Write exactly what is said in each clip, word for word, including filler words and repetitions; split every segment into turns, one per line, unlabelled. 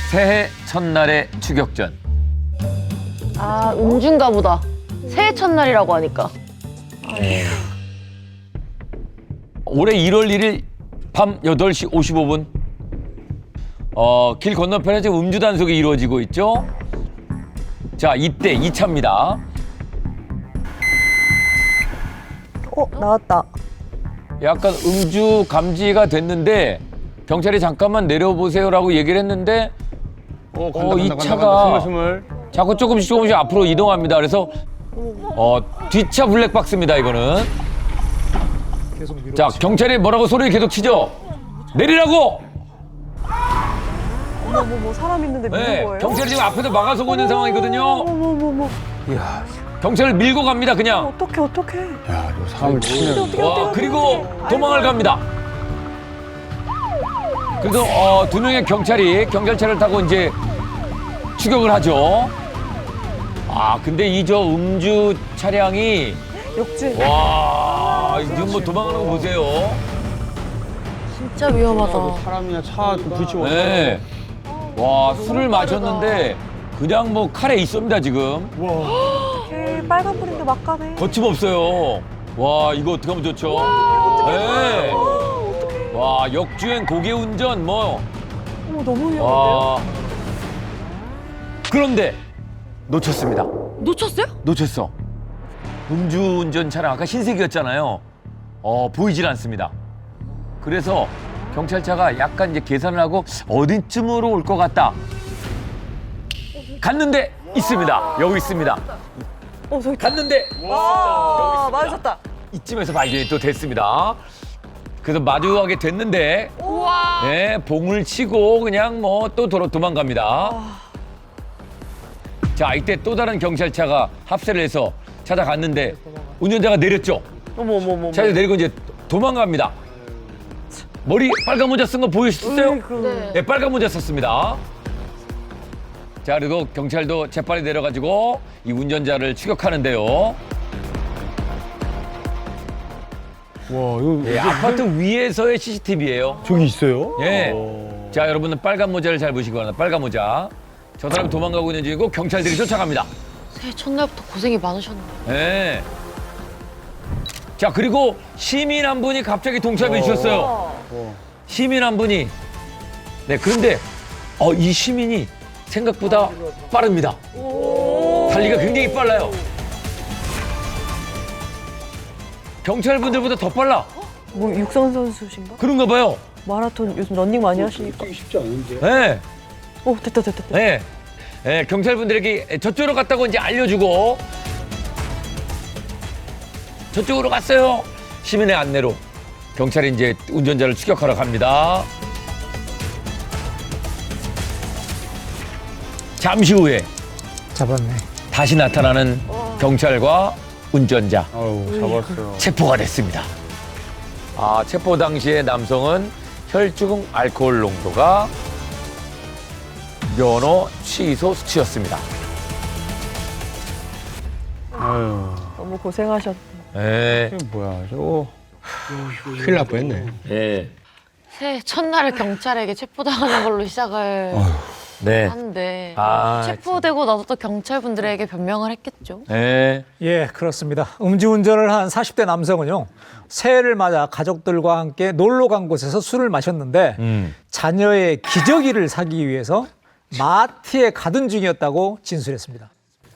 새해 첫날의 추격전.
아, 음주인가 보다. 새해 첫날이라고 하니까.
올해 일월 일일 밤 여덟 시 오십오 분. 어, 길 건너편에 지금 음주 단속이 이루어지고 있죠. 자, 이때 이 차입니다.
어, 나왔다.
약간 음주 감지가 됐는데 경찰이 잠깐만 내려보세요라고 얘기를 했는데
어,
어, 이 차가 자꾸 조금씩 조금씩 앞으로 이동합니다. 그래서 어, 뒷차 블랙박스입니다, 이거는. 자, 경찰이 뭐라고 소리 계속 치죠? 내리라고!
어머, 어머, 뭐 사람 있는데 미는
네,
거예요?
경찰이 지금 앞에서 막아서고 있는 상황이거든요.
어머, 어머, 어머.
이야,
경찰을 밀고 갑니다, 그냥.
어떡해, 어떡해.
야, 이거 사람을 치면.
와, 그리고 도망을 갑니다. 그래서 어, 두 명의 경찰이 경찰차를 타고 이제 추격을 하죠. 아, 근데 이 저 음주 차량이
역진.
와, 지금 뭐 도망가는 거 보세요.
진짜 위험하다.
사람이나 차 부딪히고.
네. 와, 술을 마셨는데 그냥 뭐 칼에 있습니다, 지금.
어떡해, 빨간불인데 막 가네.
거침없어요. 와, 이거 어떻게 하면 좋죠? 네. 와, 역주행, 고개운전 뭐.
어머, 너무 위험한데요?
와. 그런데 놓쳤습니다.
놓쳤어요?
놓쳤어. 음주운전 차량 아까 흰색이었잖아요. 어, 보이질 않습니다. 그래서 경찰차가 약간 이제 계산을 하고 어디쯤으로 올 것 같다. 갔는데 있습니다. 여기 있습니다.
어, 저기.
갔는데
아, 맞으셨다.
이쯤에서 발견이 또 됐습니다. 그래서 마주하게 됐는데, 네, 봉을 치고 그냥 뭐 또 도로 도망갑니다. 자, 이때 또 다른 경찰차가 합세를 해서 찾아갔는데 운전자가 내렸죠.
어머, 어머, 어머.
차에서 내리고 이제 도망갑니다. 머리 빨간 모자 쓴 거 보이셨어요?
네.
네, 빨간 모자 썼습니다. 자, 그리고 경찰도 재빨리 내려가지고 이 운전자를 추격하는데요.
와, 이거
예, 아파트 위에서의 씨씨티비예요.
저기 있어요?
예.
오.
자, 여러분은 빨간 모자를 잘 보시기 바랍니다. 빨간 모자. 저 사람이 도망가고 있는 중이고 경찰들이 쫓아갑니다.
새해 첫날부터 고생이 많으셨네.
예. 자, 그리고 시민 한 분이 갑자기 동참해 주셨어요.
어.
시민 한 분이. 네, 그런데 어, 이 시민이 생각보다 빠릅니다. 달리기가 굉장히 빨라요. 경찰분들보다 더 빨라.
뭐 육상 선수신가?
그런가 봐요.
마라톤 요즘 런닝 많이 하시니까.
쉽지 않은데.
네.
어, 됐다, 됐다, 됐다.
네. 네, 경찰분들에게 저쪽으로 갔다고 이제 알려주고 저쪽으로 갔어요. 시민의 안내로 경찰이 이제 운전자를 추격하러 갑니다. 잠시 후에
잡았네.
다시 나타나는 경찰과 운전자
아우, 잡았어요.
체포가 됐습니다. 아, 체포 당시에 남성은 혈중 알코올 농도가 면허 취소 수치였습니다.
아유,
너무 고생하셨다.
네.
이게 뭐야, 저거. 큰일 날 뻔했네.
예.
새해 첫날을 경찰에게 체포당하는 걸로 시작을
네.
하는데
아,
체포되고 나서 또 경찰분들에게 변명을 했겠죠.
네.
예, 그렇습니다. 음주운전을 한 사십 대 남성은요, 새해를 맞아 가족들과 함께 놀러 간 곳에서 술을 마셨는데
음.
자녀의 기저귀를 사기 위해서 마트에 가던 중이었다고 진술했습니다.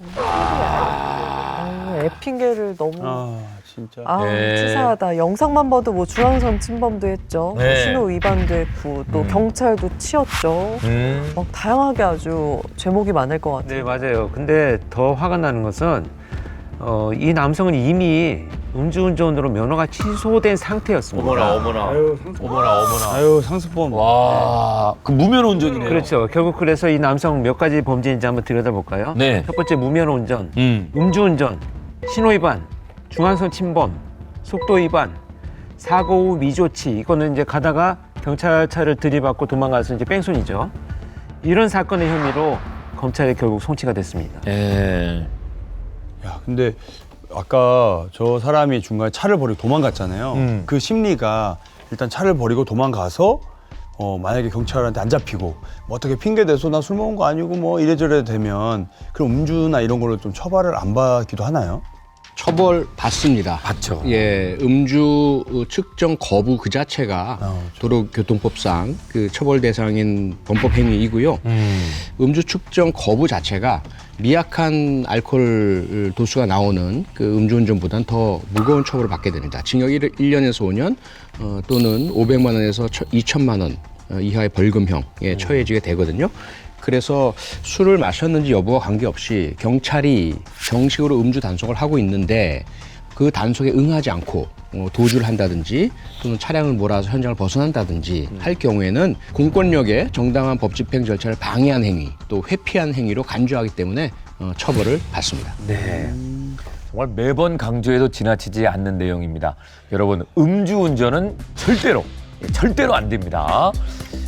아, 애핑계를 너무.
아, 진짜.
아,
네.
치사하다. 영상만 봐도 뭐 중앙선 침범도 했죠.
네.
신호 위반도 했고, 또 경찰도 치였죠.
음.
막 다양하게 아주 제목이 많을 것 같아요.
네, 맞아요. 근데 더 화가 나는 것은 어, 이 남성은 이미 음주운전으로 면허가 취소된 상태였습니다.
어머나, 어머나.
아유, 상습.
어머나, 어머나.
아유, 상습범.
와, 그 무면 운전이네요.
그렇죠. 결국 그래서 이 남성 몇 가지 범죄인지 한번 들여다볼까요?
네.
첫 번째 무면허 운전,
음.
음주운전, 신호위반, 중앙선 침범, 속도위반, 사고 후 미조치. 이거는 이제 가다가 경찰차를 들이받고 도망가서 이제 뺑소니죠. 이런 사건의 혐의로 검찰에 결국 송치가 됐습니다.
예.
야, 근데 아까 저 사람이 중간에 차를 버리고 도망갔잖아요.
음.
그 심리가 일단 차를 버리고 도망가서 어, 만약에 경찰한테 안 잡히고 뭐 어떻게 핑계 대서 나 술 먹은 거 아니고 뭐 이래저래 되면 그럼 음주나 이런 걸로 좀 처벌을 안 받기도 하나요?
처벌 받습니다.
받죠.
예, 음주 측정 거부 그 자체가
어,
도로교통법상 그 처벌 대상인 범법 행위이고요.
음.
음주 측정 거부 자체가 미약한 알코올 도수가 나오는 그 음주운전보다는 더 무거운 처벌을 받게 됩니다. 징역 일 년에서 오 년 어, 또는 오백만 원에서 이천만 원 이하의 벌금형에 처해지게 되거든요. 그래서 술을 마셨는지 여부와 관계없이 경찰이 정식으로 음주 단속을 하고 있는데 그 단속에 응하지 않고 어, 도주를 한다든지 또는 차량을 몰아서 현장을 벗어난다든지 할 경우에는 공권력의 정당한 법 집행 절차를 방해한 행위 또 회피한 행위로 간주하기 때문에 어, 처벌을 받습니다.
네. 정말 매번 강조해도 지나치지 않는 내용입니다. 여러분, 음주운전은 절대로, 절대로 안 됩니다.